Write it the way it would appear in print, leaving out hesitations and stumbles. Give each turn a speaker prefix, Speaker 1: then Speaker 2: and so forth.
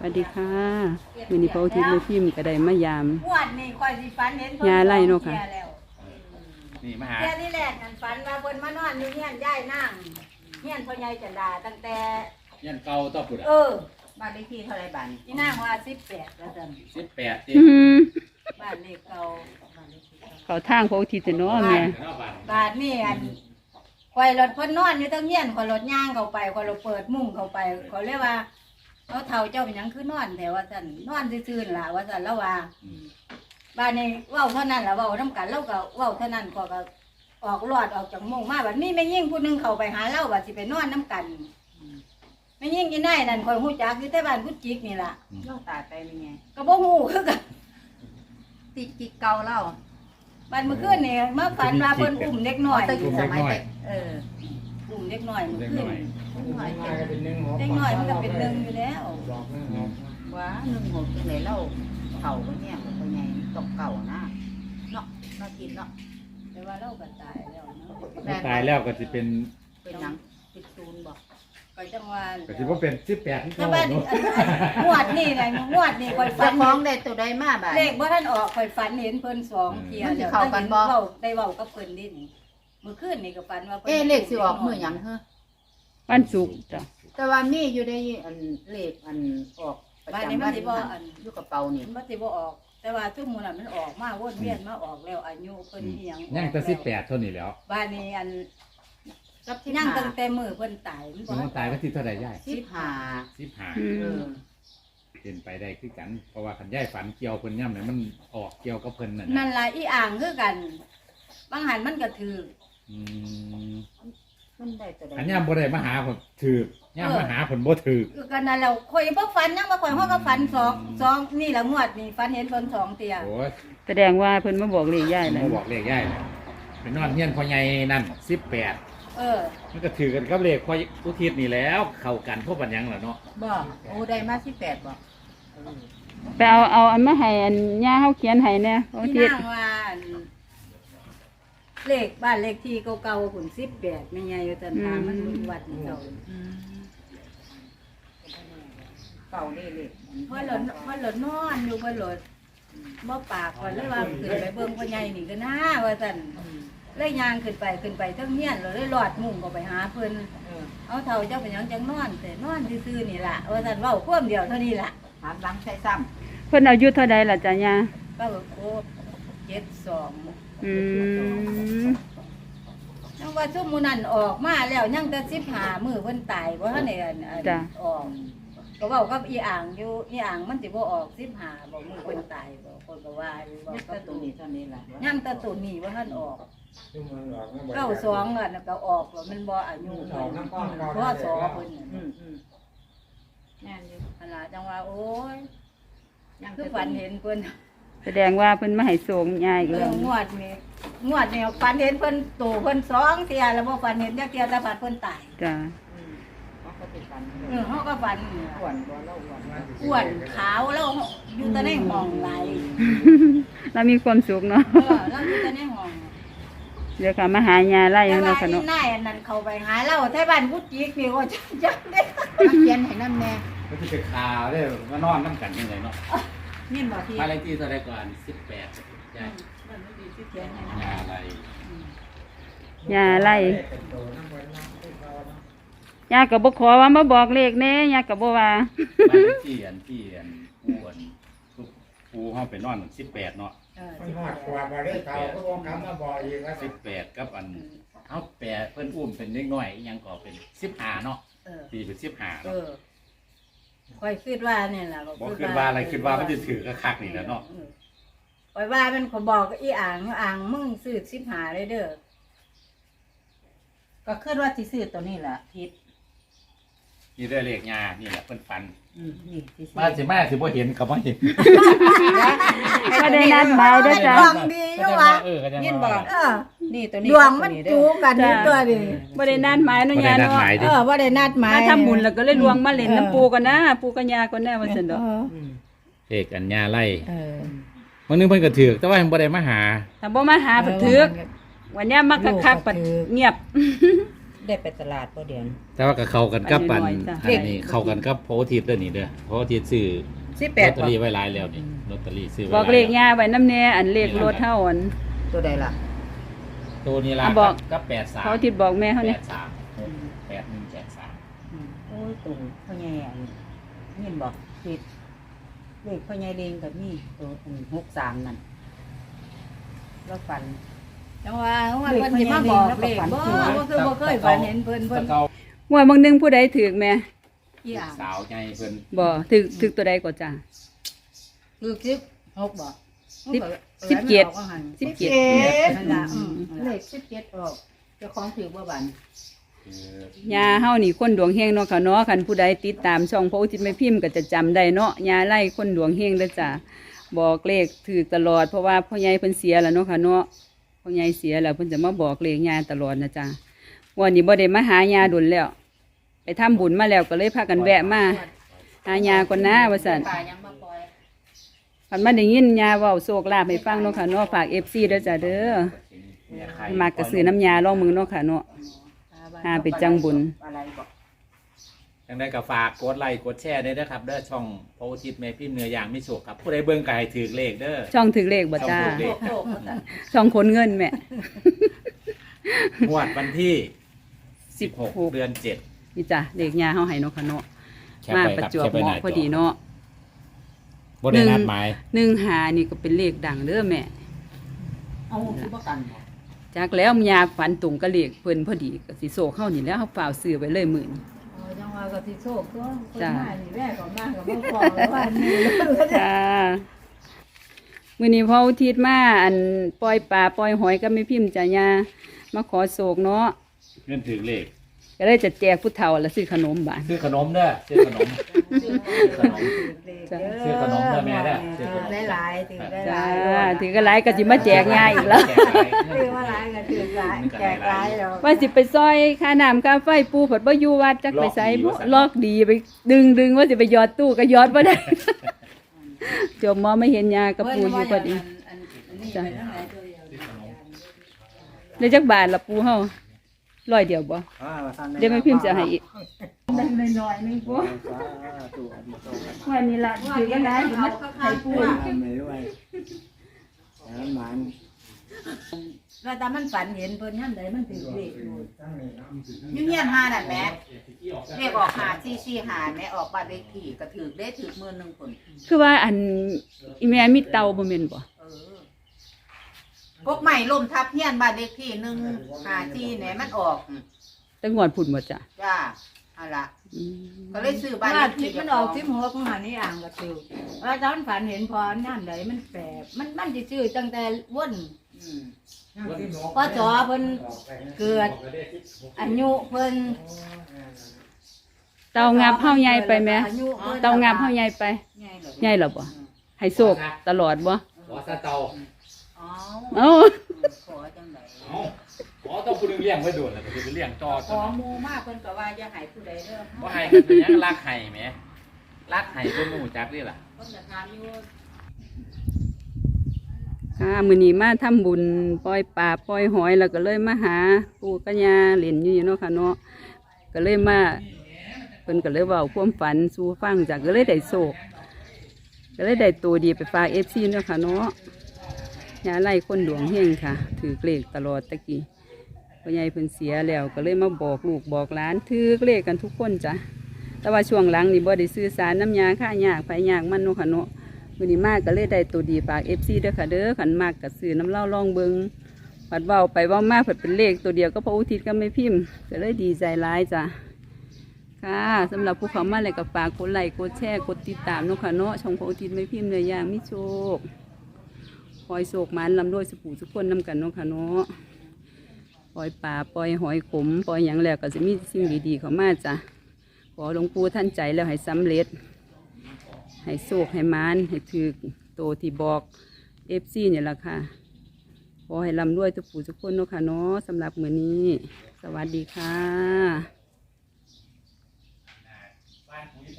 Speaker 1: วัสดีค่ะมื้อนี้พระอุทิศแม่พิมพ์ก็ได้มายาม
Speaker 2: งวดนี่ค่อยสิฝันเห็น
Speaker 1: ยาไล่เนาะค่ะ
Speaker 3: นี่มาหา
Speaker 2: เที่ยที่แรกนั่นฝันว่าเพิ่นมานอนอยู่เฮียนยายนางเฮียนพ่อใหญ่จันดาตั้งแต่
Speaker 3: ยันเก่าต่อปุด
Speaker 2: เอ
Speaker 3: อ่ะ
Speaker 2: อ
Speaker 4: บ้านเลขที่เท่าไรบ้าน
Speaker 2: อีนางว่า18ว่าซั่น
Speaker 3: 18ติ
Speaker 1: อื้อหือ
Speaker 2: บ้านเลขเก่า
Speaker 1: เขาทางพระอุทิศเนาะแม่
Speaker 3: เนาะบ้าน
Speaker 2: บ้านนี่อันข่อยรถเพิ่นนอนอยู่ตั้งเฮียนข่อยรถย่างเข้าไปข่อยรถเปิดมุ้งเข้าไปข่อยเลยว่าเอาเฒ่าเจ้าเป็นหยังคือนอนแต่ว่าซั่นนอนซื่อๆล่ะว่าซั่นแล้วว่า
Speaker 3: อืม
Speaker 2: บ้านนี้เว้าเท่านั้นล่ะเว้านํกันเราก็เว้าเท่านั้นก็ออกรอดออกจากมุ้งมาบัดนี้แม่ยิ่งผู้หนึงเข้าไปหาเราว่าสิไปนอนนํกันแม่ยิ่งอีนายนั่นข่อยฮู้จักอยู่แต่บ้านกุจิกนี่ล่ะ
Speaker 4: เราตายไปเป็นไง
Speaker 2: ก็บ่ฮู้คือกัน
Speaker 4: ติดกิกเก่าเล่า
Speaker 2: บ้านเมื่อคืนนี่มาฝันว่าเพิ่นอุ้มเด็กน้อย
Speaker 4: ตั้งสมัยเด็ก
Speaker 2: อุ้มเด็กน้อยเมื่อ
Speaker 3: เล็ก
Speaker 2: คื
Speaker 3: น้
Speaker 2: น
Speaker 3: อย
Speaker 4: หน่อย
Speaker 5: มาก็เป็นหนึ่งหก
Speaker 2: เด็กน้อยมันก็เป็นหนึ่งอยู่แล้ว
Speaker 5: บอกหนึ่งหก
Speaker 4: ว่าหนึ่งหกจังไหนเล่าเข่าก็เนี่ยมันก็ไงตกเก่านะเนาะเรากินเนาะ
Speaker 2: แต่ว่าเราก็ตายแล้วเนาะ
Speaker 3: ตายแล้วก็สิเป็น
Speaker 4: เป็นหนังติดซูนบอก
Speaker 2: ก็จังว่า
Speaker 3: ก็สิบ่เป็น18ที่
Speaker 2: แต่
Speaker 3: เก่า
Speaker 2: ว่า
Speaker 3: เนาะ
Speaker 2: งวดนี่ไงงวดนี่ข่อยฝั
Speaker 4: จะ
Speaker 2: น
Speaker 4: ฟ้องได้ตัวใดมาบ้าน
Speaker 2: เลขบ่ทันออกข่อยฝันเห็นเพิ่นสองเที่ย
Speaker 4: มันสิ
Speaker 2: แล้ว
Speaker 4: เข้ากันบ่
Speaker 2: ได้เว้ากับเพิ่นดินี่เมื่อคืนนี่ก็ฝันว่าพิ่น
Speaker 4: เลขสิออกมือหยังเฮ้อ
Speaker 1: วันศุกร์จ้ะ
Speaker 4: แต่ว่ามีอยู่ในอันเลขอันออกประ
Speaker 2: บ้าน
Speaker 4: จำ
Speaker 2: นี้มั
Speaker 4: วัน น
Speaker 2: สิบ่อัน
Speaker 4: อยู่กระเป๋านี่
Speaker 2: มันสิบ่ออก แต่ว่าทุกมื้อน่ะมันออกมาวนเวียนมาออกแล้วอายุเพิ่นอีหยัง
Speaker 3: ยังแต่18เท่านี้แล้ว
Speaker 2: บ้านนี้อัน
Speaker 4: กับที่
Speaker 2: ยัง
Speaker 4: นั่ง
Speaker 2: ตั้งแต่มื้อเพิ่นตายมันบ่
Speaker 3: มันตายก็ที่เท่าใดยาย
Speaker 4: 15
Speaker 1: อื
Speaker 4: เอ
Speaker 1: ม
Speaker 4: อ
Speaker 3: เป็นไปได้คือกัน เพราะว่าคันยายฝันเกี่ยวเพิ่นย่ำเนี่ยมันออกเกี่ยวกับเพิ่นนั่น
Speaker 2: นั่นล่ะอีอ่างคือกัน บางหันมันก็ถือ
Speaker 3: อืม
Speaker 4: มันได้ตัวใด
Speaker 3: อันย่ำบ่ได้มาหาผมถือกย่ำมาหาผลบ่ถือก
Speaker 2: คือกันนั่นแล้วข่อยบ่ฝันยังบ่ข่อยเฮาก็ฝันสองนี่ละงวดนี่ฝันเห็นเพิ่นสองเที่ย
Speaker 3: โอ้ย
Speaker 1: แสดงว่าเพิ่นมาบอกเลขยาย
Speaker 3: ผม
Speaker 1: แล้ว
Speaker 3: บ่บอกเลขยายเลยไปนอนเฮียนพ่อใหญ่นั่น18
Speaker 2: เออ
Speaker 3: มันก็ถือกันกับเลขพ่ออุทิศนี่แล้วเข้ากันพวกปัญญังล่ะเนาะ
Speaker 4: บ่โอ้ได้มา18บ่
Speaker 1: ไปเอาอันมาให้อันย่าเฮาเขียนให้แน่พระอุ
Speaker 2: ที่
Speaker 1: ทิศ
Speaker 2: นางว่าอันเลขบ้านเลขที่เก่าๆพุ่น18แม่ใหญ่อยู่ตันทางมันวัดนี่เก่า
Speaker 4: เก่านี่เลย
Speaker 2: เพราะหลดนอนอยู่เพิ่นหลดบ่ปากว่าเลยว่าขึ้นไปเบิ่งพ่อใหญ่นี่ก็น่าว่าซั่นเลยย่างขึ้นไปเทั้งเฮียนเลยลอดมุ้งก็ไปหาเพิ่น เอาเท่าเจ้าเป็นหยังจังนอนแต่นอนซื่อๆนี่ล่ะว่าซั่นเว้าความเดียวเท่านี้ล่ะ
Speaker 4: ถามหลังใช้ซ้
Speaker 1: เพิ่นอายุเท่าใดล่ะจ้ะย่า
Speaker 2: ก็แบบโอ้72
Speaker 1: อืม
Speaker 2: ยังว่าซุมมื้อนั้นออกมาแล้วยังแต่15มื้อเพิ่นตายบ่ทันได้ออกก็เว้ากับอีอ่างอยู่อีอ่างมันสิบ่ออก15บ่มื้อเพิ่นตายบ่คนก็ว่าอยู่
Speaker 4: ำ
Speaker 2: เว้า
Speaker 4: นี่
Speaker 2: กั
Speaker 4: ก็
Speaker 2: บ
Speaker 4: ตัวนี้เท่านี้แหละ
Speaker 2: ยังแต่ตัวนี้บ่ทันออก
Speaker 5: ซึ่งมันหลอกนะ
Speaker 2: 92อ่ะก็ออกแล้วมันบ่อายุ
Speaker 5: สองน้ำก้อนเก่า
Speaker 2: เพราะสอเพิ่น
Speaker 4: แน่นอยู่
Speaker 2: ขนาดจังว่าโอ้ย
Speaker 4: ยัง
Speaker 2: คือฝันเห็นเพิ่น
Speaker 1: แสดงว่าเพิ่นมาให้ส่งยายอีกแล้ว
Speaker 2: งวดนี่ฝันเห็นเพิ่นโตเพิ่นสองเที่ยแล้วบ่ฝันเห็นจักเที่ยแต่ฝันเพิ่นตาย
Speaker 1: จ้ะ
Speaker 4: เขาติดกัน
Speaker 2: เฮาก็ฝัน
Speaker 4: อ้วนบ่เล่าอ้วน
Speaker 2: อ้วนขาวแล้วอยู่แต่ในห้องไหลาย
Speaker 1: เรามีความสุขเนาะ
Speaker 2: แล้วอยู่แต่ในห้อง
Speaker 1: เดี๋ยวค่ะมาหายาไล่
Speaker 2: แต่
Speaker 1: เนาะ
Speaker 2: ว่า
Speaker 1: ค่ะ
Speaker 2: อี
Speaker 1: เนาะ
Speaker 2: นายอันนั้นเข้าไปหาเราแถวบ้านกุดจิกนี่ว่าจังได้
Speaker 4: เขียนให้น้ำแน่
Speaker 3: ก็สิไปคาเด้อมานอนนำกันจังไดเนาะ
Speaker 4: นี่บ่ที่
Speaker 3: บ้านเลขที่เท่าใดก่อน18ยาย
Speaker 2: มันไม่ดีสิเขียนให้
Speaker 3: ยาอะไร
Speaker 1: ยาไล่
Speaker 5: เป็นโตน้ำเงินน้ำที่เขาเนาะ
Speaker 1: ยาก็บ่ขอว่ามาบอกเลขแน่ยาก็บ่ว่า
Speaker 3: บ้านเลขที่อันอ้วนปูเฮาไปนอน18เนาะ
Speaker 5: มันหอดกว่าบริเขาก็วงคำมาบอกอีกว่าสิ
Speaker 3: 18กับอันเฮาแปะเพิ่นอุ้มเป็นเด็กน้อยอีหยังก็เป็น15เนาะ
Speaker 2: เออ
Speaker 3: ตีเป็น15
Speaker 2: เอ
Speaker 3: เนาะ
Speaker 2: อค่อยคิดว่าเนี่ยล่ะ
Speaker 3: บ่คิดว่าอะไรคิดว่ามันจะถือคักๆนี่แหละเนาะ
Speaker 2: ค่อยว่ามันขอยบอกกับอีอ่างมึงซื้อ15เลยเด้อ
Speaker 4: ก็คิดว่าสิซื้อตัวนี้แหละทิศ
Speaker 3: นี่ได้เลขยานี่แหละเพิ่นฝัน
Speaker 4: นี่สิซื้อ
Speaker 3: มาสิมาสิบ่เห็นก็บ่เห็น
Speaker 1: บ่ได้นัดหมายเด้อจ้ะ
Speaker 2: ดวงดีอยู่ว่ะ
Speaker 3: ก็จะ
Speaker 4: ยินบ่
Speaker 2: เออ
Speaker 4: นี่ตัวนี้
Speaker 2: ดวงมันจูกันอยู่ตัวนี่
Speaker 1: บ่ได้นัดหมายเนาะยาเนาะ
Speaker 2: เออบ่ได้นัดหมาย
Speaker 1: มาทำบุญแล้วก็เลยลวงมาเล่นน้ำปูกันนะปูกับยากันแน่ว่าซั่นดอก
Speaker 3: เลขอัญญาไล่
Speaker 2: เออ
Speaker 3: มื้อนึงเพิ่นก็ถือแต่ว่ายังบ่ได้มาหา
Speaker 1: ถ้าบ่มาหาเพิ่นถึกวันเนี้ยมักคักๆปัดเงียบ
Speaker 4: ได้ไปตลาดบ่เดี๋ยว
Speaker 3: แต่ว่าก็เข้ากันกับปัน
Speaker 1: อันนี้น้อยจ้ะ
Speaker 3: อันนี้เข้ากันกับโพธิ์ทิพย์เด้อนี่เด้อโพธิ์ทิพย์ซื้อลอต
Speaker 4: 18
Speaker 3: เตอรี่ไว้หลายแล้วนี่ลอตเตอรี่ซื้อไว้
Speaker 1: บอกเลขย่าไว้น้ำแน่อันเลขรถเท่าอัน
Speaker 4: ตัวใดล่ะ
Speaker 3: ตัวนี้ละ
Speaker 1: อ่ะบอก
Speaker 3: กับ83
Speaker 1: เขาทิดบอกแม่เขาเนี่ย
Speaker 3: 83 8183
Speaker 4: โอ้ยตุ่มพ่อใหญ่อันนี่บอกผิดเลขพ่อใหญ่เลงกับนี่ตัว63นั่นแล้วฝัน
Speaker 2: จังว่าเพิ่นสิมาบอกเลขบ่คือบ่เคยฝันเห็นเพิ่น
Speaker 3: ตะเกา
Speaker 1: ว่าบางหนึงผู้ใดถือแม่
Speaker 2: อีหยัง
Speaker 3: สาวใหญ่เพิ่น
Speaker 1: บ่ถือตัวใดก็จ้า
Speaker 2: คือ16บ่
Speaker 1: 17 17
Speaker 2: นั่นล่ะเลข17ออกเจ้าของถือบ่บัน
Speaker 3: คือย
Speaker 1: าเฮานี่คนดวงเฮงเนาะค่ะเนาะคันผู้ใดติดตามช่องพระอุทิศแม่พิมพ์ก็จะจำได้เนาะยาไล่คนดวงเฮงเด้อจ้าบอกเลขถือตลอดเพราะว่าพ่อใหญ่เพิ่นเสียแล้วเนาะค่ะเนาะพ่อใหญ่เสียแล้วเพิ่นจะมาบอกเลขยาตลอดนะจ้าวันนี้บ่ได้มาหายาดุลแล้ว ไปทำบุญมาแล้วก็เลยพากันแวะมาหายาก่อนนะว่าซั่น
Speaker 4: ป่ายังมาปล่อย
Speaker 1: คันมาได้ยินยาเว้าโศกลาภให้ฟังเนาะค่ะเนาะฝาก FC เด้อจ้าเด้อมากระสือน้ำยาลองมือเนาะค่ะเนาะ หาไปจังบุญ
Speaker 4: อะไรบอก
Speaker 3: ยังได้ก็ฝากกดไลค์กดแชร์ได้เด้อครับเด้อช่องโพธิ์ทิพย์แม่พิมพ์เนื้อย่างมิโชคครับผู้ใดเบิ่งก็ให้ถือเลขเด้อ
Speaker 1: ช่องถือเลขบ่จ้า
Speaker 3: ช่องถือเลข
Speaker 2: โชคๆซั่น
Speaker 1: ช่องขนเงินแม่
Speaker 3: งวดวันที่
Speaker 1: 16
Speaker 3: 16 เดือน
Speaker 1: นี่จ้ะเลขยาเฮาให้เนาะค่ะเนาะ
Speaker 3: 7แคป
Speaker 1: มา
Speaker 3: ไป
Speaker 1: ประ
Speaker 3: ครับ
Speaker 1: จวบ
Speaker 3: แคปไป
Speaker 1: เห
Speaker 3: หน้า
Speaker 1: มาะ
Speaker 3: จ
Speaker 1: พอดีเนาะ
Speaker 3: บ่ได้นัดหมาย
Speaker 1: 15นี่ก็เป็นเลขดังเด้อแม่
Speaker 4: เอาคือบ่กันบ่
Speaker 1: จากแล้วยาฝันตรงกับเลขเพิ่นพอดีก็สิโซเข้านี่แล้วเฮาฝ่าวซื้อไว้เลยมื้อนี้
Speaker 2: จังว่าก็สิโชคตัวคน
Speaker 1: จ้ะ
Speaker 2: มานี่แม่ก็มาก็บ่พอแล้วว่านี่
Speaker 1: จ้ามื้อนี้พ่ออุทิศมาอันปล่อยปลาปล่อยหอยก็ไม่พิมพ์จ้ะยามาขอโศกเนาะ
Speaker 3: เงินถือเลข
Speaker 1: ก็เลยจะแจกผู้เฒ่าแล้วซื้อขนมบาด
Speaker 3: ซื้อขนมเด้อซื้อขนม ขนม ซื้อขนมเด้อแม่เด้อซื้อขนม
Speaker 2: ถือหลายๆถือห
Speaker 1: จ้า
Speaker 2: ลายๆ
Speaker 1: ถือก็หลายก็สิมาแจกยาอีกแล้ว
Speaker 3: แจกหลาย
Speaker 2: ถือว่าหลายก็ถือหลายแจกหลายแล้ว
Speaker 1: ว่าสิไปซอยค่าน้ำค่าไฟปูผัดบ่อยู่วัดจักไปใส่บ่ลอกดีไปดึงว่าสิไปหยอดตู้ก็หยอดบ่ได้ จบมอไม่เห็นยากับปูอยู่พอดีจ้ะได้จักบาทละปูเฮา100เดียวบ่เดี๋ยวแม่พิมพ์จะให้อีกได้น้อยๆนึงปูวันนี้ล่ะถือก็ได้สิมาให้ปู
Speaker 2: แล้วแต่มันฝันเห็นเพิ่นยามใดมันถือเลขอยู่
Speaker 4: ยุ่งเงียนหานั่นแหมเรียกออกหาซี่หาแม่ออกบ้านเลขที่ก็ถือได้ถือมื้อนึงคน
Speaker 1: คือว่าอันอีแม่มีเตาบ่แม่นบ่
Speaker 4: พวกใหม่ล่มทับเฮียนบ้านเลขที่1 5ที่แหนมันออก
Speaker 1: แต่งวดพุ่นบ่จ้ะ
Speaker 4: จ้าเอาล่ะ
Speaker 1: อืม
Speaker 4: ก็เลยซื้อบ้าน
Speaker 2: บ้าน
Speaker 4: เลข
Speaker 2: ที่
Speaker 4: ที่
Speaker 2: มันออก16ของหานี่อ่างก็ถือแล้วตอนฝันเห็นพอยามใดมันแปลกมันสิซื้อตั้งแต่วน
Speaker 4: อืม
Speaker 2: พอจอเพิ่นเกิดอายุเพิ่น
Speaker 1: เตางับเฮาใหญ่ไปแม่
Speaker 2: อายุพิ่น
Speaker 1: เตางับเฮาใหญ่ไป
Speaker 4: ใหญ่เลย
Speaker 1: ใหญ่แล้วบ่ให้โศกตลอดบ่
Speaker 3: ขอซาเตา
Speaker 4: อ๋อ
Speaker 1: เอ้า
Speaker 4: ขอจังได๋
Speaker 3: เอาขอต้องผู้หนึงเลี้ยงไว้โดนแล้วก็สิไปเลี้ยงต่อ
Speaker 4: ขอหมู่มากเพิ่นก็ว่าอย่าให้ผู้ใดเด้อ
Speaker 3: บ่ให้กันเป็นหยังรักให้แหมรักให้เพิ่นรู้จักนี่ล่ะ
Speaker 4: เพิ่นจะถามอยู่
Speaker 1: ค่ะมื้อนี้มาทำบุญปล่อยปลาปล่อยหอยแล้วก็เลยมาหาปู่กับย่าเล่นอยู่เนาะค่ะเนาะก็เลยมาเพิ่นก็เลยเว้าความฝันสู่ฟังจ้ะก็เลยได้โศกก็เลยได้ตัวดีไปฝาก FC เนาะค่ะเนาะยาไล่คนดวงเฮงค่ะถือเลขตลอดตะกี้พ่อใหญ่เพิ่นเสียแล้วก็เลยมาบอกลูกบอกหลานถือเลขกันทุกคนจ้ะแต่ว่าช่วงหลังนี่บ่ได้ซื้อสารน้ำยาค่ายากไผยากมันเนาะค่ะเนาะ มื้อนี้มากก็เลยได้ตัวดีฝาก FC เด้อค่ะเด้อขันมากก็ซื้อน้ำเหล้าลองเบิงผัดเว้าไปเว้ามาผัดเป็นเลขตัวเดียวก็พระอุทิศก็ไม่พิมพ์ก็เลยดีใจร้ายจ้ะค่ะสำหรับผู้เขามาเลยก็ฝากกดไลค์กดแชร์กดติดตามเนาะค่ะเนาะช่องพระอุทิศไม่พิมพ์เนื้อย่างมิโชคคอยโศกมันลำด้วยสุขสุขคนนำกันเนาะค่ะเนาะปล่อยป่าปล่อยหอยขมปล่อยหยังแล้วก็จะมีสิ่งดีๆเข้ามาจ้ะขอหลวงปู่ท่านใจแล้วให้สำเร็จ ให้โศกให้มานให้ถือโตที่บอกFCเนี่ยแหละค่ะขอให้ร่ำรวยทุกผู้ทุกคนเนาะค่ะเนาะสำหรับมื้อนี้ สวัสดีค่ะ